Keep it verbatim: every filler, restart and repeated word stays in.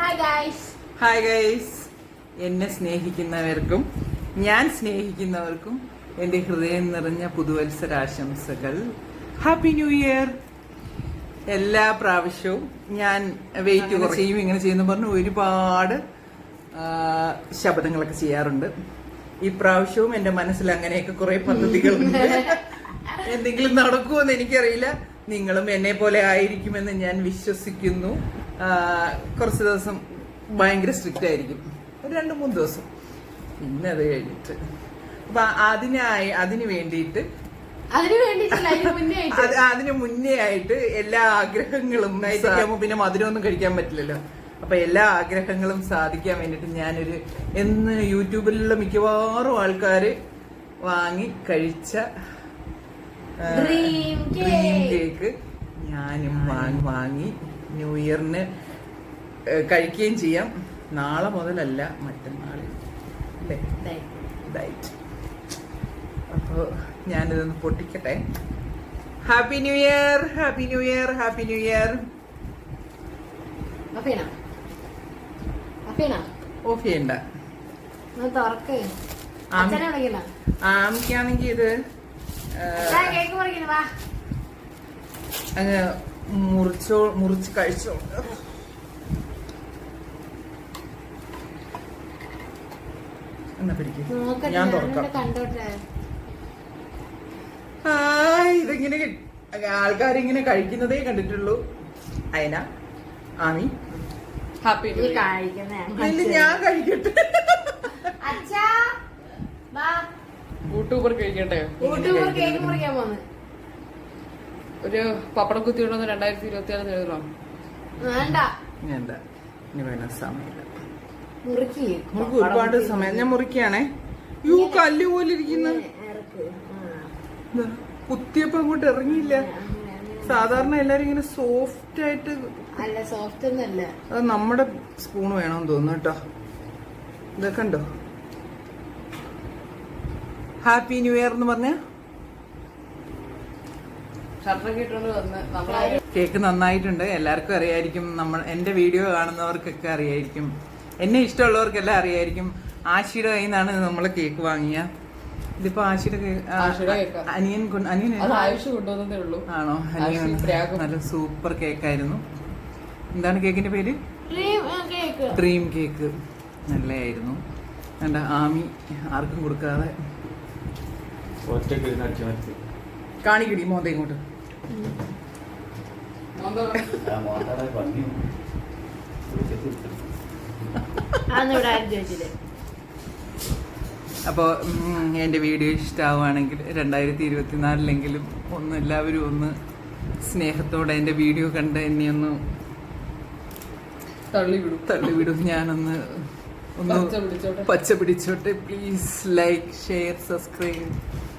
Hi guys, എന്നെ സ്നേഹിക്കുന്നവർക്കും ഞാൻ സ്നേഹിക്കുന്നവർക്കും എൻ്റെ ഹൃദയം നിറഞ്ഞ പുതുവത്സരാശംസകൾ. Happy new year. എല്ലാ പ്രാവശ്യവും ഞാൻ വെയിറ്റ് കുറയും ഇങ്ങനെ ചെയ്യുന്നു പറഞ്ഞ് ഒരുപാട് ശബ്ദങ്ങളൊക്കെ ചെയ്യാറുണ്ട്. ഈ പ്രാവശ്യവും എൻ്റെ മനസ്സിൽ അങ്ങനെയൊക്കെ കുറെ പദ്ധതികളുണ്ട്. എന്തെങ്കിലും നടക്കുമെന്ന് എനിക്കറിയില്ല. നിങ്ങളും എന്നെ പോലെ ആയിരിക്കുമെന്ന് ഞാൻ വിശ്വസിക്കുന്നു. കുറച്ച് ദിവസം ഭയങ്കര സ്ട്രിക്റ്റ് ആയിരിക്കും, ഒരു രണ്ട് മൂന്ന് ദിവസം. പിന്നെ അത് കഴിഞ്ഞിട്ട് അപ്പൊ അതിനായി അതിന് വേണ്ടിയിട്ട് അതിന് മുന്നേ ആയിട്ട് എല്ലാ ആഗ്രഹങ്ങളും നയിക്കാമോ, പിന്നെ മധുരമൊന്നും കഴിക്കാൻ പറ്റില്ലല്ലോ. അപ്പൊ എല്ലാ ആഗ്രഹങ്ങളും സാധിക്കാൻ വേണ്ടിട്ട് ഞാനൊരു എന്ന് യൂട്യൂബിലുള്ള മിക്കവാറും ആൾക്കാര് വാങ്ങി കഴിച്ച ഡ്രീം കേക്ക് ഞാനും വാങ്ങി വാങ്ങി ന്യൂ ഇയറിന് കഴിക്കുകയും ചെയ്യാം. നാളെ മുതലല്ല, മറ്റന്നാൾ അല്ലേ ഡയറ്റ്. അപ്പോൾ ഞാനിതൊന്ന് പൊട്ടിക്കട്ടെ. Happy new year, happy new year, happy new year. Off ചെയ്യണ്ട. ആമിക്കാണെങ്കിൽ ഇത് അങ്ങ് മുറിച്ചോ മുറിച്ച് കഴിച്ചോ. എന്നാ പിടിക്കും, ഞാൻ തുറക്കാം. ആ ഇതിങ്ങനെ ആൾക്കാരിങ്ങനെ കഴിക്കുന്നതേ കണ്ടിട്ടുള്ളൂ. അയന ആമി ഹാപ്പി ഞാൻ കഴിക്കട്ടെ. യൂട്യൂബർ കഴിക്കട്ടെ. ഒരു പപ്പടം കുത്തി കൊണ്ടുവന്ന് രണ്ടായിരത്തി ഇരുപത്തി ആറ് എഴുതണം. വേണ്ട വേണ്ട, ഇനി വേണ സമയമില്ല. മുറുക്ക് ഒരുപാട് സമയം. ഞാൻ മുറിക്കാണേ. യൂ കല്ല് പോലെ ഇരിക്കുന്ന കുത്തിയപ്പോ അങ്ങോട്ട് ഇറങ്ങിയില്ല. സാധാരണ എല്ലാരും ഇങ്ങനെ സോഫ്റ്റ് ആയിട്ട്. അല്ല, സോഫ്റ്റ് ഒന്നല്ല. അത് നമ്മുടെ സ്പൂൺ വേണമെന്ന് തോന്നുന്നു കേട്ടോ. ഇതൊക്കെ ഉണ്ടോ? ഹാപ്പി ന്യൂ ഇയർ എന്ന് പറഞ്ഞ കേക്ക് നന്നായിട്ടുണ്ട്. എല്ലാവർക്കും അറിയായിരിക്കും, നമ്മൾ എന്റെ വീഡിയോ കാണുന്നവർക്കൊക്കെ അറിയായിരിക്കും, എന്നെ ഇഷ്ടമുള്ളവർക്കെല്ലാം അറിയായിരിക്കും. ആശിയുടെ കയ്യിൽ നിന്നാണ് നമ്മൾ കേക്ക് വാങ്ങിയ. ഇതിപ്പോ ആശിയുടെ അനിയൻ അനിയൻ ആണോ? അനിയൻ നല്ല സൂപ്പർ കേക്കായിരുന്നു. എന്താണ് കേക്കിന്റെ പേര്? Dream cake. നല്ലതായിരുന്നു. വേണ്ട, ആമി ആർക്കും കൊടുക്കാതെ കാണിക്കടി മോന്ത ഇങ്ങോട്ട്. അപ്പോൾ എൻ്റെ വീഡിയോ ഇഷ്ടമാവുകയാണെങ്കിൽ രണ്ടായിരത്തി ഇരുപത്തിനാലിലെങ്കിലും ഒന്ന് എല്ലാവരും ഒന്ന് സ്നേഹത്തോടെ എൻ്റെ വീഡിയോ കണ്ട് എന്നെ ഒന്ന് തള്ളിവിടും തള്ളിവിടും ഞാനൊന്ന് ഒന്ന് പച്ച പിടിച്ചോട്ടെ. Please like, share, subscribe.